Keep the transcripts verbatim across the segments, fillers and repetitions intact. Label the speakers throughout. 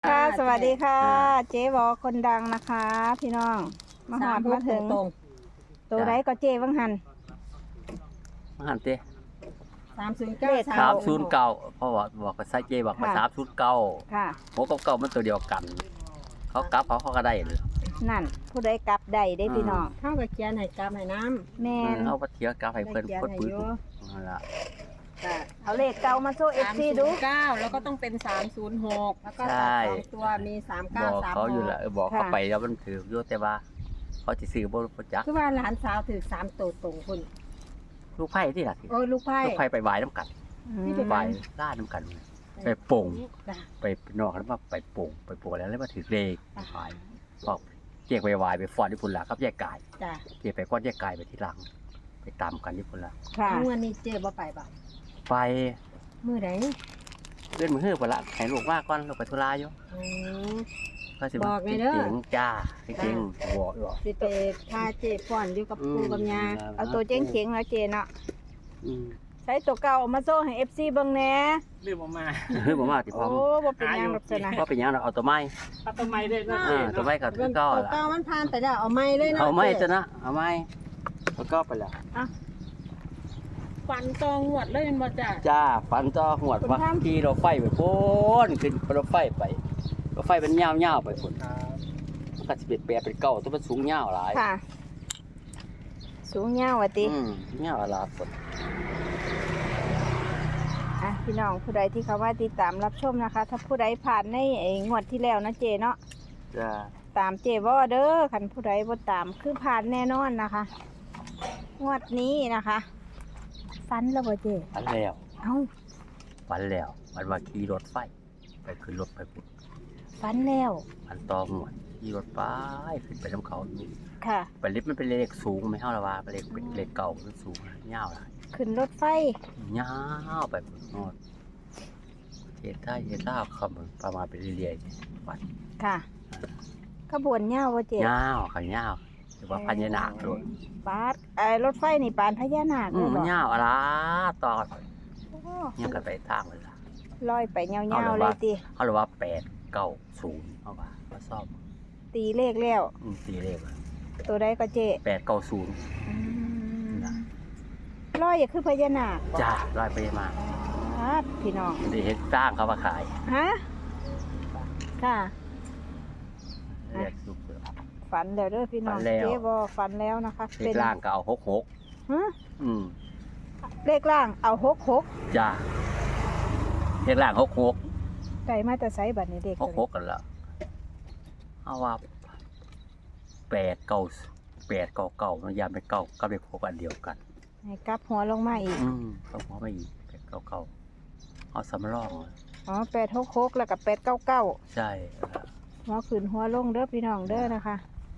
Speaker 1: ค่ะสวัสดีค่ะ เจ๊วอคนดังนะคะ พี่น้องมาหอดมาถึงตัวไรก็เจ๊วังหัน
Speaker 2: มาหันเต้
Speaker 3: สามศูนย์เก้า
Speaker 2: สามศูนย์เก้าเพราะว่าบอกกับไซเจบอกมาสามศูนย์เก้า
Speaker 1: ค่ะ
Speaker 2: โหกับเก้ามันตัวเดียวกัน เขากลับเขาเขาก็ได้เลย
Speaker 1: นั่น ผู้ใดกลับใดได้พี่น้อง
Speaker 3: เท่ากับเขียนให้กลับให้น้ำ
Speaker 1: แม่น
Speaker 2: เอาไปเที่ยวกลับให้เพิ่น
Speaker 3: ได้
Speaker 2: เพิ่น
Speaker 3: เขี
Speaker 2: ปื
Speaker 3: ย
Speaker 2: น
Speaker 3: นให้อยู่
Speaker 2: นั่นล่ะ
Speaker 1: เอาเลขเก่ามาโชว์เอฟ
Speaker 3: สาม
Speaker 1: ซี
Speaker 3: ศู
Speaker 1: ดู
Speaker 3: นย์เก้าแล้วก็ต้องเป็นสามศูนย์หกแล้วก็ตัดสองตัวมีสาม
Speaker 2: บ
Speaker 3: เก้า
Speaker 2: อก
Speaker 3: สาม
Speaker 2: เขา
Speaker 3: ห
Speaker 2: อยู่
Speaker 3: ก
Speaker 2: ละเออบอกเขาไปแล้วมันถืออยู่แต่ว่า เขาจะซื้อบ่รู้จัก
Speaker 3: คือว่าหลานสาวถือสามตัวตรงคุณ
Speaker 2: ลูกไผ่ที่ล่ะ
Speaker 3: โอ้ยลูกไพ่
Speaker 2: ลูกไผ่ไปไหว้น้ำกัน
Speaker 3: นี่เป็น
Speaker 2: ไหว้ล่าน้ำกัน ไปโป่ง
Speaker 3: จ้ะ
Speaker 2: ไปนอกแล้วมาไปโป่งไปโป่งแล้วแล้วมาถือเลขไหว้บอกเจ๊กไปไหว้ไปฟ้อนที่พุ่นล่ะครับแยกกาย
Speaker 3: จ้ะ
Speaker 2: เจ๊ไปก้อนแยกกายไปที่หลัง ไปตามกันที่พุ่นล่ะ
Speaker 1: ค่ะ
Speaker 3: เมื่อนี้เจ๊บ่ไปบ่
Speaker 2: ไป
Speaker 3: มือไหน
Speaker 2: เลื่อนมือฮื้อไปละให้ลูกว่าก่อนลูกไปธุระอยู่
Speaker 3: อืม
Speaker 2: ก็สิ
Speaker 3: บอกไงเด้อ
Speaker 2: จริงๆจ้าจริงๆบอกอยู่
Speaker 3: สิไปพาเจ๊ฟ้อนอยู่กับปู่กับย่า
Speaker 1: เอาตัวเจ๊งเจ๋งๆแล้วเจ๊เนาะ
Speaker 2: อืม
Speaker 1: ใช้ตัวเก่าเอามาโชว์ให้เอฟซีเบิ่งแหน่
Speaker 4: ลืมออกมา
Speaker 2: ฮื้อบ่มาติพร้อ
Speaker 1: โอ้
Speaker 2: ม
Speaker 1: บ่เป็นหยังหรอกจ้ะนะ
Speaker 2: ว่าเป็นหยังเราเอาตัวไม้
Speaker 4: เอาต้นไม้ได้นะ
Speaker 2: เออตัวไม้กับตัว
Speaker 3: เงิน
Speaker 2: ก็
Speaker 3: ตัว
Speaker 2: ล่ะ
Speaker 3: เก้ามันผ่านไปแล้วเอาไม้เลยนะ
Speaker 2: เอาไม้
Speaker 3: จ๊
Speaker 2: ตัวนะเอาไม้ตัวก็ไปแล้ว
Speaker 3: ฟันตองหวดเลยมันบ่จ้ะ
Speaker 2: จ้าฟันต่อหวดว่าขี่รถไฟไปโพ้นขึ้นรถไฟไปรถไฟเป็นยาวๆไปพุ่นมันก็สิเป็นแปรเป็นเก้าตัวมันสูงยาวหลาย
Speaker 1: ค่ะ สูงยาวว่ะติ
Speaker 2: อืมยาวหลายพุ่น
Speaker 1: อ่ะพี่น้องผู้ใดที่เขาว่าติดตามรับชมนะคะ ถ้าผู้ใดผ่านในไอ้งวดที่แล้วนะเจเนาะ
Speaker 2: จ้า
Speaker 1: ตามเจวอเด้อคันผู้ใดบ่ตามคือผ่านแน่นอนนะคะ งวดนี้นะคะฟันแล้วบ่เจ
Speaker 2: ฟันแล้ว
Speaker 1: เอ้า
Speaker 2: ฝันแล้วมันว่าขี่รถไฟ ไปขึ้นรถไปพุ่น
Speaker 1: ฟันแล้ว
Speaker 2: มันต่อหมวดขี่รถไปขึ้นไปน้ำเขาอยู่
Speaker 1: ค่ะ
Speaker 2: ไปลิฟต์มันเป็นเลขสูงไม่เท่าละว่าเป็นเลขเป็นเลขเก่ามันสูงยาวหลาย
Speaker 1: ขึ้นรถไฟ
Speaker 2: ยาวไปพุ่นโนดเฮ็ดได้เฮ็ดลาวคำประมาณไปเรื่อยๆวัด
Speaker 1: ค่ะขบวนยาวบ่เจ
Speaker 2: ยาวขันยาวหรือว่าพันยานาคด้วย
Speaker 1: ปาดไอ้รถไฟนี่ปานพญานาค
Speaker 2: อื
Speaker 1: เล
Speaker 2: ม
Speaker 1: ย
Speaker 2: มัน
Speaker 1: บ่
Speaker 2: ยาวอะไรต่อ
Speaker 1: โอ้
Speaker 2: ยังกันไปทางเลยล่ะ
Speaker 1: ลอยไปยา
Speaker 2: เอา
Speaker 1: ว
Speaker 2: เลย
Speaker 1: ๆเล
Speaker 2: ว่า
Speaker 1: ยติ
Speaker 2: เขาเรียกว่าแปดเก้าศูนย์เอาว่ามาซ่อม
Speaker 1: ตีเลขแล้ว
Speaker 2: อืมตีเลข
Speaker 1: ตัวใดก็เจ
Speaker 2: แปดเก้าศูนย์
Speaker 1: อืม
Speaker 2: นะ
Speaker 1: ลอยอย่าคือพญานาคบ่
Speaker 2: จ้าร้อยไปมา
Speaker 1: ปาดพี่น้อง
Speaker 2: มันได้เห็นสร้างเขามาขาย
Speaker 1: ฮะ ค่ะ
Speaker 2: เรียกสุกเลย
Speaker 1: ฝันแล้วเด้อพี่น้อง
Speaker 2: ฝันแล้ว
Speaker 1: เจ๊บอฝันแล้วนะคะ
Speaker 2: เลขล่างก็เอาหกหก
Speaker 1: ฮะ
Speaker 2: อืม
Speaker 1: เลขล่างเอาหกหก
Speaker 2: จ้าเลขล่างหกหก
Speaker 1: ไก่มาแต่ไซบัตรนี่เด็ก
Speaker 2: หกหกกันละเอาว่าแปดเก้าแปดเก้าเก้ามันยามเป็นเก้ากับเลขหกอันเดียวกัน
Speaker 1: ให้กลับหัวลงมาอีก
Speaker 2: อืมเขาพอไม่อีกแปดเก้าเก้าเอาสำรอง
Speaker 1: อ๋อแปดหกหกแล้วกับแปดเก้าเก้า
Speaker 2: ใช่
Speaker 1: หัวขึ้นหัวลงเด้อพี่น้องเด้อนะคะ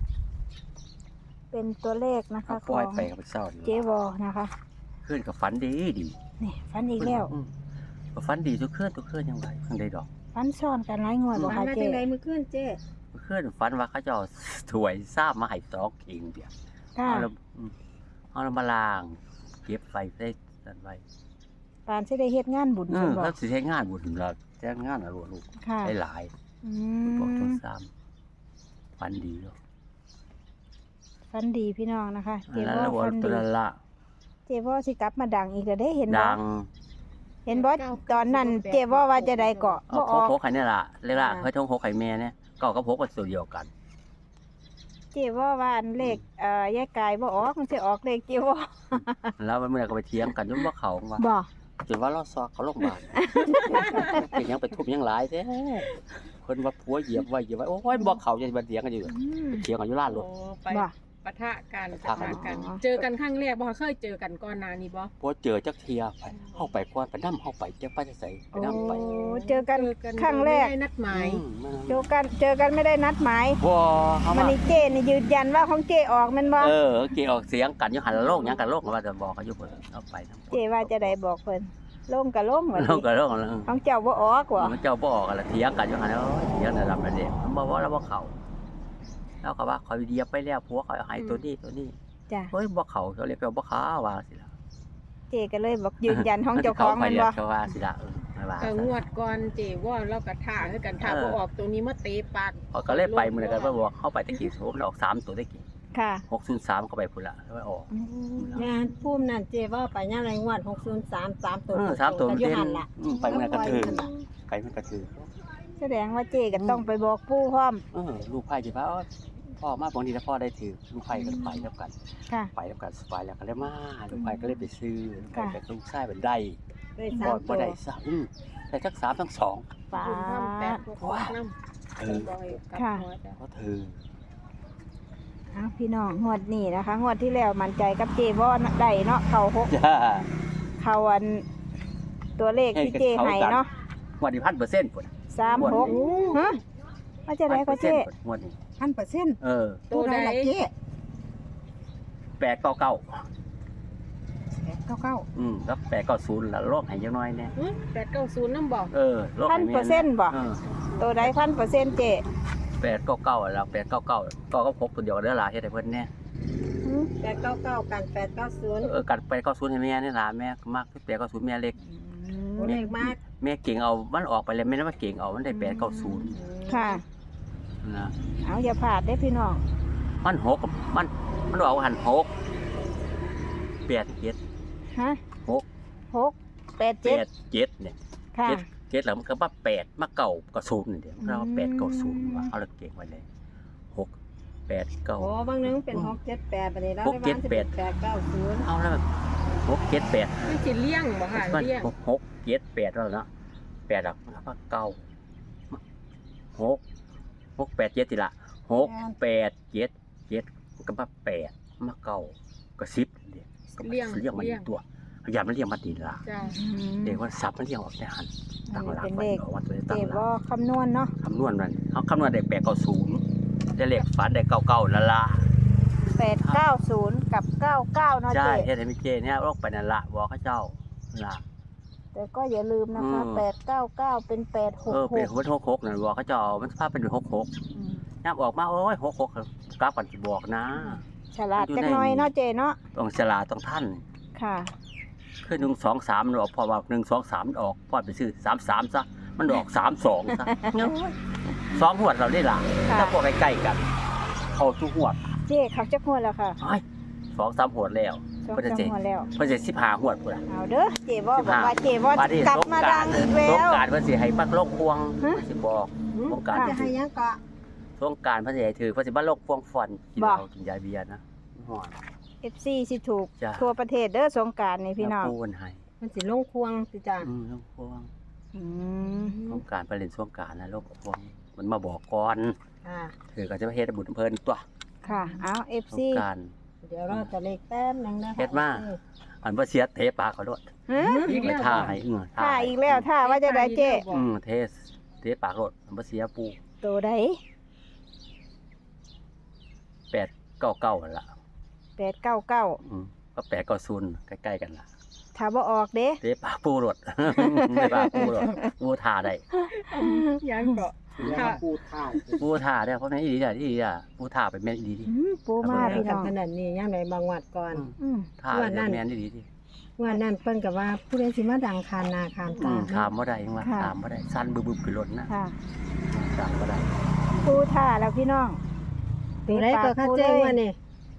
Speaker 1: เป็นตัวเลขนะคะ
Speaker 2: เขา
Speaker 1: ข
Speaker 2: ปล่
Speaker 1: อ
Speaker 2: อย
Speaker 1: ง
Speaker 2: ไปกับเศร้า
Speaker 1: เจ๊บอนะคะ
Speaker 2: ขึ้นกับฝันดีดี
Speaker 1: นี่ฝันอีกแล้ว
Speaker 2: อืมก็ฝันดีทุกเคลื่อนทุกเคลื่อนยังไงข้างใดดอก
Speaker 1: ฝันซ้อนกันหลายงวดบ่
Speaker 3: ฟัน
Speaker 1: คะ
Speaker 3: มา
Speaker 1: เจ๊
Speaker 3: จังไดมื้อคืนเจ๊
Speaker 2: เคลื่อนฝันว่าเขาจะเอาถวยทราบมาให้สองเองเดียว
Speaker 1: ค่ะ
Speaker 2: เอาแล้วอืมเอาแล้วมาล้างเก็บไว้ได้นั่นไว้
Speaker 1: ปานสิได้เฮ็ดงานบุญ
Speaker 2: เอ
Speaker 1: เพิ่
Speaker 2: อน
Speaker 1: บ่
Speaker 2: แล้วสิใช้งานบุญเราแจ้งงานอะไรลูก
Speaker 1: ค่ะ
Speaker 2: ได้หลาย
Speaker 1: อื
Speaker 2: บอกต้
Speaker 1: ม
Speaker 2: นซ้ำฝันดีเนาะ
Speaker 1: ฝันดีพี่น้องนะคะ เจ๊
Speaker 2: แล้ว
Speaker 1: บอ
Speaker 2: แล้ว
Speaker 1: ฝัน
Speaker 2: ตัว
Speaker 1: ดี
Speaker 2: นั้นละ
Speaker 1: เจ๊บอสิกลับมาดังอีกแล้วได้เห็นบ่
Speaker 2: ดัง
Speaker 1: เห็นบ่ตอนนั้นเจ๊ว่าว่าจะได้เกาะ
Speaker 2: เอา
Speaker 1: บ่
Speaker 2: โค
Speaker 1: ออก
Speaker 2: โคไข่เนี่ยล่ะเรียกว่าเฮ้ยท้องโคไข่แม่เนี่ยก็ก็พกกันส่วนเดียวกัน
Speaker 1: เจ๊ว่าว่าอันเลขเอ่อยายกายบ่ออกมันสิออกเลขเจ๊ว่า
Speaker 2: แล้วมันเมื่อก็ไปเถียงกันจนว่าเขาว่า
Speaker 1: บ่
Speaker 2: จนว่าเราซอกเขาลงพยาบาล เป็นหยังไปทุบหยังหลายแท้คนว่าผัวเหยียบไว้เหยียบไว้โอ้ยบอกเขาจะมาเถียงกันอยู่
Speaker 1: อืม
Speaker 2: เถียงกันอยู่ร้านรถ
Speaker 3: โอ้ไป
Speaker 1: บ่
Speaker 3: ปะทะกัน
Speaker 2: ปะทะกัน
Speaker 1: อ๋อ
Speaker 3: เจอกันครั้งแรกบ่เคยเจอกันก่อนหน้านี้บ่
Speaker 2: พอเจอจักเทียไปเข้าไปก่อนไปนั่ไปไปเจ้าไปจะใส่ไป
Speaker 1: โอ้
Speaker 2: นั่ไป
Speaker 1: เจอกัน
Speaker 3: เจอกัน
Speaker 1: ครั้งแรก
Speaker 3: ไม่ได้นัดหมาย
Speaker 2: อืมมัน
Speaker 1: เจอกันเจอกันไม่ได้นัดหมาย
Speaker 2: บ่เขา
Speaker 1: มัน
Speaker 2: มา
Speaker 1: นี่เจ๊นี่ยืนยันว่าของเจ๊ออกแม่นบ่
Speaker 2: เออเกี่ยวเสียงกันอยู่หันโลกหยังกันโลกว่าจะบอกเขาอยู่เพิ่นเอาไปทั้งหมด
Speaker 1: เจ๊ว่าจะได้บอกเพิ่นลงก็ลงว่า
Speaker 2: โลกกับโลกแล้ว
Speaker 1: ของเจ้าบ่ออกว่ะ
Speaker 2: มันเจ้าบ่ออกกันละเถียงกันอยู่หันแล้วเถียงในลำนั่นเองมันบอกว่าแล้วบ่เขาแล้วก็ว่าเขาเหยียบไปแล้วผัวเขาเอาให้ตัวนี้ตัวนี้
Speaker 1: จ้ะ
Speaker 2: เฮ้ยบ่เขาเขาเรียกว่าบ่ขาวว่าสิล่ะ
Speaker 1: เจ๊ก็เลยบอกยืนยันของเจ้าของแม่นบ่
Speaker 2: เขาว่าสิล่ะเออไม่ว่า
Speaker 3: ก็งวดก่อนเจว่าเราก็ท่าคือกันท่าบ่ออกตัวนี้มาเตะปาก
Speaker 2: พอก็เลยไปมื้อนั้นก็บ่บอกเข้าไปตะกี้โหมันออกสามตัวตะกี้
Speaker 1: ค่ะ
Speaker 2: หกศูนย์สามก็ไปพุ่นละแล้วออก
Speaker 4: งานพุ่มนั่นเจว่าไปย่างไรงวดหกศูนย์สามสามตัว
Speaker 2: เออสามตัว
Speaker 4: ก็
Speaker 2: มัน
Speaker 4: อยู่
Speaker 2: เด่น
Speaker 4: หันล่ะ
Speaker 2: อืมไปมื้อนั้นก็ถือไปมันก็ถือ
Speaker 1: แสดงว่าเจก็ต้องไปบอกปู่พร้อม
Speaker 2: เออลูกไผ่สิว่าอ๋อพ่อมาบางทีถ้าพ่อได้ถือลูกไผ่ก็ไปแล้วกัน
Speaker 1: ค่ะ
Speaker 2: ไปแล้วกันสบายแล้วก็เลยมาลูกไผ่ก็เลยไปซื้อลูกไผ่
Speaker 1: ค่ะ
Speaker 2: ก็ลูกชายเป็นได้
Speaker 4: ได้
Speaker 2: บ่
Speaker 4: สาม
Speaker 2: บ่
Speaker 4: ตัว
Speaker 2: ได้ซะอืมได้ทั้งสามทั้งสอง
Speaker 1: ป้า
Speaker 3: คุณทำแปดหกน้ำ
Speaker 2: เออ
Speaker 3: บ่อยกับ
Speaker 1: ค่ะ
Speaker 3: หัวจ้ะ
Speaker 2: ก็ถือ
Speaker 1: เอาพี่น้องงวดนี้นะคะงวดที่แล้วมั่นใจกับเจว่าได้เนาะเขาหก
Speaker 2: จ้า
Speaker 1: เขาอันตัวเลขที่เจให้เนาะ
Speaker 2: วันนี้พันเปอร์เซ็นต์พุ่น
Speaker 1: สามหกฮะว่าจะได้ก็เจ
Speaker 2: งวดนี้
Speaker 4: พันเปอร์เซ็นต์
Speaker 2: เออ
Speaker 3: ตัวใด
Speaker 4: ละเจ๊
Speaker 2: แปดเก้าเก้า
Speaker 4: เก้าเก้า
Speaker 2: อืมแล้วแปดเก้าศูนย์แล้วโรคหายยังน้อยเนี่ย
Speaker 3: แปดเก้าศูนย์น้ำบอก
Speaker 2: เออโรค
Speaker 1: พั
Speaker 2: หาน ย
Speaker 1: เปอร์เซ็นต์บ่
Speaker 2: เออ
Speaker 1: ตัวใดพันเปอร์เซ็นต์เจ
Speaker 2: แปดเก้าเก้าแล้วแปดเก้าเก้าก็ก็พกตัวเดียวกันเด้อล่ะเฮ็ดให้เพิ่นแน่
Speaker 1: หืม
Speaker 4: แปดเก้าเก้ากันแปดเก้าศูนย์
Speaker 2: เออกัดไปเก้าศูนย์ให้แม่นี่ล่ะแม่มักแปดเก้าศูนย์แม่เล็ก
Speaker 4: ตัวเลขมาก
Speaker 2: แม่เก่งเอามันออกไปแล้วแม่นว่าเก่งเอามันได้แปดเก้าศูนย์
Speaker 1: ค่ะ
Speaker 2: นะ
Speaker 1: เอาอย่าพลาดได้อพี่น้อง
Speaker 2: มันหกมันมันออกหันหกแปดเจ็ด
Speaker 1: ฮะ
Speaker 2: หก
Speaker 1: หกแปด
Speaker 2: แป
Speaker 1: เจ็ด
Speaker 2: ดเจ็ดเนี่ย
Speaker 1: ค่ะ
Speaker 2: เจ็ดเจ็ดแล้วมันก็มาแปดมาเก่าก็ศูนย์นี่เดียวเรา
Speaker 1: อืม
Speaker 2: แปดเก้าศูนย์ว่าเอาละเก่งไว้เลยหกแปดเก้า
Speaker 4: โอ้บางนึงเป็นหกเจ็ดแปดไปเลยแล้ว
Speaker 2: หกเจ็ดแปด
Speaker 4: แปดเก้าศูนย์
Speaker 2: เอาแล้วหกเจ็ดแปด
Speaker 3: ไม่สิเลี้ยงบ่ค่ะ
Speaker 2: มัน
Speaker 3: เลี้ยง
Speaker 2: หกหกเจ็ดแปดแล้วเนาะแปดหลักแล้วก็เก้าหกหกแปดเจ็ดทีละหกแปดเจ็ดเจ็ดก็มาแปดมาเก้าก็สิบเดียวก็มาเลี้ยงมาอีกตัวพยายามมันเลี้ยงมาดีละ
Speaker 3: จ้า
Speaker 2: เด็กว่าสับมันเลี้ยงออกได้หันตั้งหลัก
Speaker 1: เป็น
Speaker 2: ไว้
Speaker 1: เลข
Speaker 2: ออกว่าตัว
Speaker 1: เจ
Speaker 2: ตั้งหลั
Speaker 1: ว่าก คำนวณเนาะ
Speaker 2: คำนวณมันเขาคำนวณได้แปดเก้าศูนย์ได้เลขฝันได้เก้าเก้าละละ
Speaker 1: แปดเก้าศูนย์กับเก้าเก้าเนาะ
Speaker 2: ใช่
Speaker 1: เจ
Speaker 2: เฮ็ดให้มิเจเนี่ยโรคไปนั่นละบอกเขาเจ้าละ
Speaker 1: แต่ก็อย่าลืมนะคะ
Speaker 2: อืม
Speaker 1: แปดเก้าเก้าเป็นแปดหก
Speaker 2: เออ
Speaker 1: ห
Speaker 2: เป็น
Speaker 1: ก
Speaker 2: หัวหกหกนั่นบอกเขาเจ้ามันสภาพเป็นหกหกย่ำออกมาโอ้ยหกหกกราฟกันสิบอกนะ
Speaker 1: ฉลาดจักหน่อยเนาะเจเนาะ
Speaker 2: ต้องฉลาดต้องท่าน
Speaker 1: ค่ะ
Speaker 2: คือหนึ่งสองสามมันออกพอว่าหนึ่งสองสามออกพอไปซื้อสามสามซะมันออกสามสองซะสองหัวดเราได้หลัง
Speaker 1: ค่ะ
Speaker 2: ถ้าพวกใกล้ๆกัน เข้าทุกหัวด
Speaker 1: เจเขาจะหัวแล้วค่ะ
Speaker 2: ไอ้สองสามหัวดแล้ว
Speaker 1: สอง
Speaker 2: เพิ่นจะ
Speaker 1: สาม
Speaker 2: เจ็ด
Speaker 1: หัวแล้ว
Speaker 2: เพิ่นจะสิบห้าหัวดพุ่นล่ะ
Speaker 1: เอาเด้อเจว่า
Speaker 2: สิ
Speaker 1: บบ อก
Speaker 2: ห้า
Speaker 1: ว่าเจว่า
Speaker 2: บัดนี้
Speaker 1: กลับ
Speaker 2: สง
Speaker 1: มาก
Speaker 2: รา
Speaker 1: ดั
Speaker 2: รง
Speaker 1: อีก
Speaker 2: ส
Speaker 1: แล้
Speaker 2: ง
Speaker 1: ว
Speaker 2: กรารเพิ่นสิให้ปักโลกพวง
Speaker 1: ฮะ
Speaker 2: เพิ่นสิบอกสงกราร
Speaker 1: ค่ะ
Speaker 4: จะให้ยังก็
Speaker 2: สงกรารเพิ่นสิให้ถือเพิ่นสิบ้าโลกพวงฟอนกิน
Speaker 1: บ่
Speaker 2: เหล้ากินยาเบียร์นะฮ้อน
Speaker 1: เอฟซีสิถูก
Speaker 2: จ้ะ
Speaker 1: ทั่วประเทศเด้อสงกรารนี่พี่น้อง
Speaker 2: ปูนให้
Speaker 4: มันสิลงควงสิจ้า
Speaker 2: อืมโลกพวง
Speaker 1: อืม
Speaker 2: สงกรารไปเล่นสงกรารนะโลกพวงมันมาบอกก่อน
Speaker 4: อ่า
Speaker 2: ถือก็จะไปเฮ็ดบุญเพิ่นตัว
Speaker 1: ค่ะเอาเอฟ
Speaker 2: สง
Speaker 1: ซี
Speaker 2: กราร
Speaker 4: เดี๋ยวเราจะเลขแต้มหนึงนะคะ
Speaker 2: เฮ็ดมา อันบ่เสียเทปากเขาโลด
Speaker 1: ฮะ
Speaker 3: อีก
Speaker 2: ไป
Speaker 3: แล้ว
Speaker 2: ท่า
Speaker 3: บ่
Speaker 2: ให้เอื้อ
Speaker 1: ถ้าอีกแล้วถ้าว่าจะได้เจ
Speaker 2: อืมเทสเทปากโลดอันบ่เสียปู
Speaker 1: ตัวใด
Speaker 2: แปดเก้าเก้านั่นล่ะ
Speaker 1: แปดเก้าเก้า
Speaker 2: อืมก็แปดเก้าศูนย์ใกล้ๆกันล่ะ
Speaker 1: ถ้าบ่ออกเด้
Speaker 2: เทปากปูโลด เทปากปูโลดปูท่าได้
Speaker 3: ยังก็
Speaker 5: ถ้าพูดท่า
Speaker 2: ปูท่าได้เพราะแม่นอีหลีจ้ะอีหลีจ้ะปูท่าไปแม่นอีหลีดิ
Speaker 1: อืมปูมา
Speaker 4: มา
Speaker 1: พี่
Speaker 4: กั
Speaker 1: น้
Speaker 4: น
Speaker 1: อง
Speaker 4: ขนาดนี้ยังไงบางวัดก่อน
Speaker 1: อืม
Speaker 2: ท่าไปแม่นอีหลีดิ
Speaker 4: งวันนั้นเพิ่นก็ว่าผู้ใดสิมาดังคานนาคาน
Speaker 2: อื
Speaker 4: ตาม
Speaker 2: ถามบ่ได้ยังว่า
Speaker 1: ค่ะ
Speaker 2: ถามบ่ได้สั่นบึบๆขึ้นรถนะ
Speaker 1: ค่ะ
Speaker 2: ถามบ่ได้
Speaker 1: ปูท่าแล้วพี่น้อง
Speaker 4: ตัวไรก็ค่าแจ้งว่านี่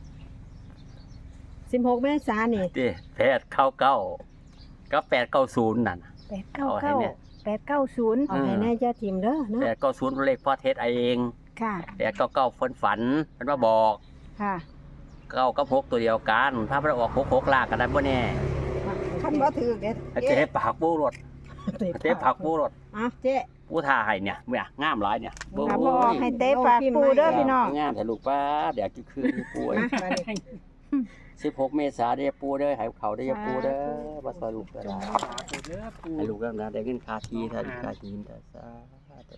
Speaker 4: สิบหกเมษายนนี่
Speaker 2: เด้แปดเก้าเก้ากับแปดเก้าศูนย์นั่นน่ะ
Speaker 1: แปดเก้า
Speaker 2: เอาให้
Speaker 1: เก้า
Speaker 2: เนี่ย
Speaker 1: แปดเก้าศูนย์
Speaker 4: เอาให้แน่เจ้าทีมเด้อเนาะ
Speaker 2: แปดเก้าศูนย์เลขพ่อเทศเอง
Speaker 1: ค่ะ
Speaker 2: แปดเก้าเก้าฝันฝันเพิ่นมาบอก
Speaker 1: ค่ะ
Speaker 2: เก้ากับหกตัวเดียวกันถ้ามันออกหกหกลากกันได้บ่แน่
Speaker 4: คันบ่ถือเด็ด
Speaker 2: เจ๊ปากปูรถเจ๊ปากปูรถ
Speaker 4: อ่ะเจ๊
Speaker 2: ปูท่าให้เนี่ยเมื่องามหลายเนี่ยโอ้
Speaker 1: ถ้าบ่ออกให้เตะปากปูเด้อพี่น้อง
Speaker 2: งามแต่ลูกป้าเดี๋ยวจะคืนให้ปูไอ้
Speaker 4: มาบัดนี้
Speaker 2: สิบหกเมษายนได้ปูเด้อให้เขาได้อปูเด้อบ่ซอยลูกก็ได้
Speaker 5: เด้อปู
Speaker 2: ให้ลูกแล้วนะได้เงินค่าทีถ้าค่าทีนแต่ซาธุ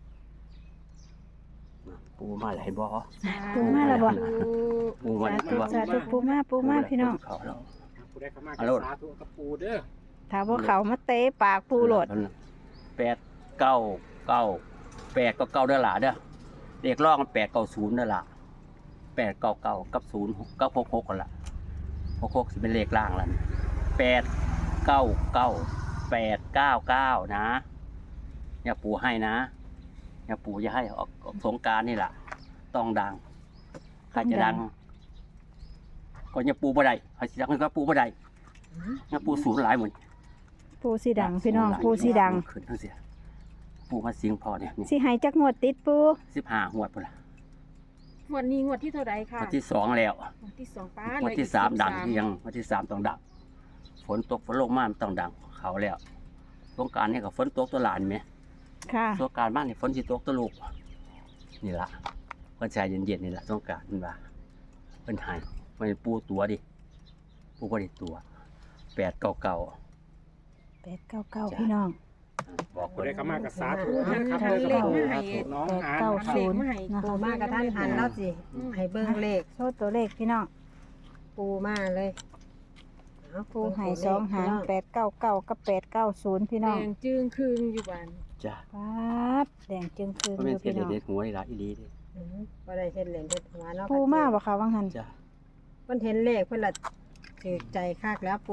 Speaker 2: ปูมาหลายบ่
Speaker 1: ปูมาแล้วบ่
Speaker 2: ปูมา
Speaker 1: สา
Speaker 2: หลาย
Speaker 1: ธุ
Speaker 2: บ่
Speaker 1: สาธุปูมาปูมาพี่น้อง
Speaker 2: เขาแล้ว
Speaker 5: ปูได้เข้ามา
Speaker 2: ฮัลโหล
Speaker 5: สาธุกับปูเด้อ
Speaker 1: ถ้าบ่เขามาเตะปากปูโหลด
Speaker 2: แปดเก้าเก้าแปดก็เก้าเด้อล่ะเด้อเด็กร้องแปดเก้าศูนย์เด้อล่ะแปดเก้าเก้ากับศูนย์เก้าหกหกกันล่ะหกหกสิเป็นเลขล่างแล้วแปดเก้าเก้าแปดเก้าเก้านะอย่าปู่ให้นะอย่าปู่จะให้ออกออกสงกรารนี่แหละต้องดังใครจะดังก็อย่าปู่บ่ได้ใครจะดังก็ปู่บ่ได้อย่าปู่สูญหลายเหมือน
Speaker 1: ปูสีดังพี่น้องปูสีดัง
Speaker 2: ขึ้นทั้งเสียปู่มาสิงพอเนี่ย
Speaker 1: สิให้จักงวดติดปู
Speaker 2: สิบห้าหวดพุ่นละ
Speaker 3: งวดนี้งวดที่เท่าไรค่ะ
Speaker 2: วันที่สองแล้ว
Speaker 3: งวดที่สองป้า
Speaker 2: วันที่สามดังที่ยังวันที่สามต้องดังฝนตกฝนลงมามันต้องดังเขาแล้วสงกรารนี่ก็ฝนตกตัวหลานไหม
Speaker 1: ค่ะ
Speaker 2: สงกรารบ้านนี่ฝนสิตกตัวลูกนี่ละเพิ่นชายเย็นๆนี่ละสงกรารมันว่าเพิ่นใหายมันปูตัวดิปูบ่ได้ตัวแปดเก่าเก่า
Speaker 1: แปดเก้าเก้าพี่น้อง
Speaker 2: บอก
Speaker 5: ผู้
Speaker 2: เพิ่น
Speaker 5: ใดเข้ามากกับสาธุนะครับ
Speaker 1: ค่ะ
Speaker 5: เด้อครับน้อง
Speaker 1: แปด
Speaker 5: หาน
Speaker 1: เก้า
Speaker 5: นะครับ
Speaker 1: ศูนย์
Speaker 3: ให้
Speaker 1: นะ
Speaker 4: ปู
Speaker 1: คะ
Speaker 4: มากระท่านหันแล้วสิให้เบิ่งเลข
Speaker 1: โชว์ตัวเลขพี่น้อง
Speaker 4: ปูมาเลยเอา
Speaker 1: ปูให้สองหางแปดเก้าเก้ากับแปดเก้าศูนย์พี่
Speaker 3: แด
Speaker 1: น้อง
Speaker 3: งจึงคืงอยู่บ้าน
Speaker 2: จ้ะ
Speaker 1: ปั๊บแดงจึงคืน
Speaker 2: บ่
Speaker 1: อ
Speaker 2: แม่น
Speaker 1: ยู่
Speaker 2: เสีย
Speaker 1: พี่
Speaker 2: เด็
Speaker 1: น้อง
Speaker 2: ดหัวนี่ละอีหลีเด้
Speaker 4: อืมบ่ได้เห็นเหรียญเฮ็ดหัวเนาะ
Speaker 1: ปูมาบ่คะวังหัน
Speaker 2: จ้ะ
Speaker 4: เพิ่นเห็นเลขเพิ่นละถือใจคักแล้วปู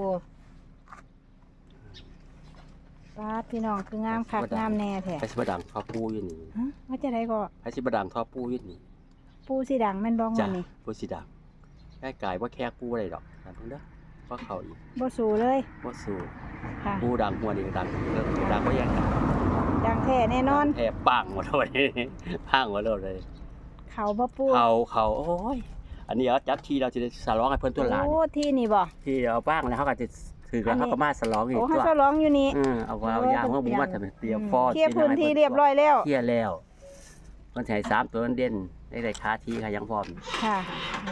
Speaker 1: ปั๊บพี่น้องคืองามคักงามแน่แท้
Speaker 2: ไปสิบ่ดังทอปูอยู่นี่
Speaker 1: ฮะว่าจะได้ก็
Speaker 2: ไปสิบ่ดังทอปูอยู่นี่
Speaker 1: ปูสีดังแม่นบ้อง
Speaker 2: จ้ะ
Speaker 1: วันนี้
Speaker 2: ปูสิดังใกล้กายว่าแค่ปูอะไรดอกแต่เพิ่นเด้อว่าเขาอีก
Speaker 1: บ่สูเลย
Speaker 2: ว่าสู้
Speaker 1: ค่ะ
Speaker 2: ปูดังหัวนี่ดังเริ่มดังบ่แยกกัน
Speaker 1: ดังแท้แน่นอน
Speaker 2: แอบปังหมดเลยพังหมดเลย
Speaker 1: เขาบ่ปู
Speaker 2: เขาเขาโอ้ยอันนี้เอาจับทีเราจะได้สร้องให้เพิ่นตัวหลาน
Speaker 1: โอ้ที่นี่บ่
Speaker 2: ที่เอาบ้างแล้วเขาก็จะถือแล้วเขาก็มาสร้องอีก
Speaker 1: โอ้
Speaker 2: ตั
Speaker 1: เขา
Speaker 2: ว
Speaker 1: จะร้องอยู่นี่
Speaker 2: อือเอาเอายางว่าบุ้มาทำเป็นเตรียมฟอด
Speaker 1: เคลียร์พื้นที่เรียบร้อยแล้ว
Speaker 2: เคลียร์แล้วเพิ่นใช้สามตัวนั้นเด่นได้ได้คาทีค่ะยังพร้อม
Speaker 1: ค่ะโอ้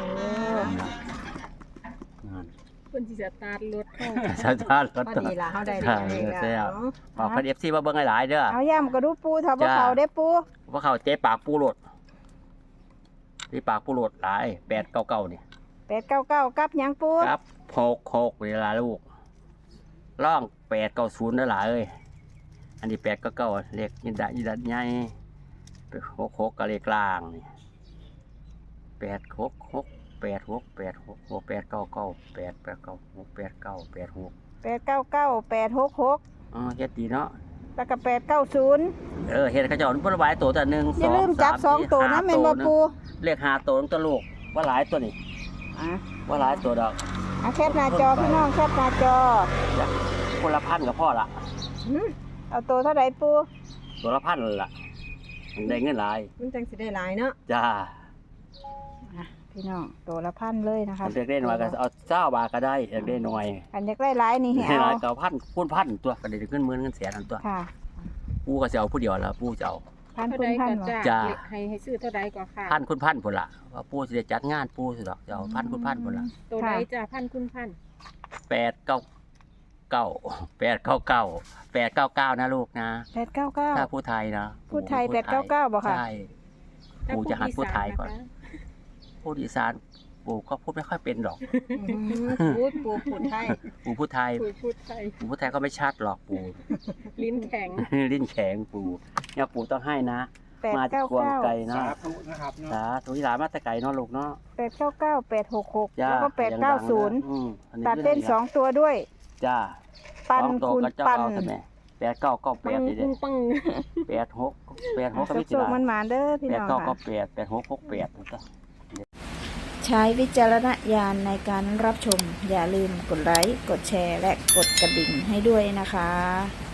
Speaker 2: นั่น
Speaker 3: เพิ่นสิสตาร์ทรถเข้า
Speaker 2: ชาชาติรถ
Speaker 4: พอ
Speaker 2: ตัว
Speaker 4: ดีล่ะเฮาได้
Speaker 2: ค่ะ
Speaker 4: เลข
Speaker 2: แล้
Speaker 4: แล้ว ว
Speaker 2: บอกเพิ่น เอฟ ซี มาเบิ่งหลายๆเด้อ
Speaker 1: เอาย่ำกระดูปูถ้าบ่
Speaker 2: จ้า
Speaker 1: เขาได้ปู
Speaker 2: ว่าเขาเจ๊ปากปูโลดที่ปากปูโลดหลายแปดเก้าเก้านี่
Speaker 1: แปดเก้าเก้ากับหยังปู
Speaker 2: ครับหกหกเวลาลูกร่องแปดเก้าศูนย์นั่นหละเอ้ยอันนี้แปดเก้าเก้าเลขยินดายินดาใหญ่หกหกกับเลขกลางนี่แปดหกหกแปดหกแปดหกหกแปดเก้าเก้าแปดแปดเก้าหกแปดเก้าแปดหก
Speaker 1: แปดเก้าเก้าแปดหกหก
Speaker 2: อ๋อเฮ็ดดีเนาะ
Speaker 1: แล้วก็แปดเก้าศูนย์
Speaker 2: เออเฮ็ดเขาเจะผลไม้ตัวแต่หนึ่ง
Speaker 1: อ
Speaker 2: ส
Speaker 1: ย่า
Speaker 2: อง
Speaker 1: ลืมจับสองตัวนะแม่นบ่ปู
Speaker 2: เลขหาตัวตัวลูกว่าหลายตัวนี่
Speaker 1: อ่ะ
Speaker 2: ว่าหลายตัวดอก
Speaker 1: เอาแคปหน้าจอพี่น้องแคปหน้าจอ
Speaker 2: คนละพันกับพ่อละ
Speaker 1: หึเอาตัวเท่าไหร่ปู
Speaker 2: ตัวละพันเลยล่ะมันได้เงินหลาย
Speaker 4: มันจังสิได้หลายเนาะ
Speaker 2: จ้า
Speaker 1: อ่ะพี่น้องตัวละพันเลยนะคะ
Speaker 2: เด็กได้หน่อยก็เอาเจ้าบาทก็ได้เด็กได้หน่อย
Speaker 1: อันอยากได้หลายนี่ให้
Speaker 2: ให้ห
Speaker 1: เอา
Speaker 2: ลายก็พันคูณพันตัวก็ได้เงินหมื่นเงินแสนนั่นตัว
Speaker 1: ค่ะ
Speaker 2: ปูก็จะเอาผู้เดียวละปูจะเอา
Speaker 1: พัน
Speaker 3: เท่า
Speaker 1: คุ
Speaker 3: ใด
Speaker 1: ณพัน
Speaker 3: ก็
Speaker 1: บ่
Speaker 3: จ้า
Speaker 2: จ้า
Speaker 3: ให้ให้ซื้อเท่าใดก็ค่ะ
Speaker 2: พันคูณพันพุ่นละว่าปูสิได้จัดงานปูสิดอกจะเอาพันคูณพันพุ่นละ
Speaker 3: ตัวใดจ้าพันคุณพัน
Speaker 2: แปดเก้าเก้าแปดเก้าเก้าแปดเก้าเก้านะลูกนะ
Speaker 1: แปดเก้าเก้า
Speaker 2: ถ้าผู้ไทยนะ
Speaker 1: ผู้ไทยแปดเก้าเก้าบ่ค่ะ
Speaker 2: ใช่ปูจะหัดผู้ไทยก่อน พูดอีสานปู่ก็พูดไม่ค่อยเป็นหรอก
Speaker 4: อืมพูดปูพูดไทย
Speaker 2: ปู่พูดไทย
Speaker 3: คุยพูดไทย
Speaker 2: ปู่พูดไทยก็ไม่ชัดหรอกปู่
Speaker 3: ลิ้นแข็ง
Speaker 2: ลิ้นแข็งปู่เนี่ยปู่ต้องให้นะ
Speaker 1: แปด
Speaker 2: มาจาก
Speaker 1: เก้า
Speaker 2: ควง
Speaker 1: เก้า
Speaker 2: ไก่นะ
Speaker 5: สาธุนะครับเนาะ
Speaker 2: สาธุที่หลานมาแตะไก่เนาะลูกเนาะ
Speaker 1: แปดเก้าเก้าแปดหกหก
Speaker 2: จ้า
Speaker 1: แล้วก็แปดเก้าศูนย์
Speaker 2: อืมอันนี้
Speaker 1: ตัดเล่นสองตัวด้วย
Speaker 2: จ้า
Speaker 1: ปัน
Speaker 2: สองตัว
Speaker 1: คูณ
Speaker 2: ก็จะ
Speaker 1: ปัน
Speaker 2: เอาใช่ไหมแปดเก้าเก้าแป
Speaker 3: ปั
Speaker 2: ด
Speaker 3: ง
Speaker 2: นี่เด้
Speaker 3: ปัง
Speaker 2: แปดหกแปดหกก็ไม่ติ
Speaker 1: สุ
Speaker 2: ด
Speaker 1: กๆมันหมานๆเด้อพี่
Speaker 2: แปด
Speaker 1: น้อง
Speaker 2: เก้าก็
Speaker 1: ค่ะ
Speaker 2: แปดแปดหกหกแปดนั่นก็
Speaker 1: ใช้วิจารณญาณในการรับชม อย่าลืมกดไลค์ กดแชร์ และกดกระดิ่งให้ด้วยนะคะ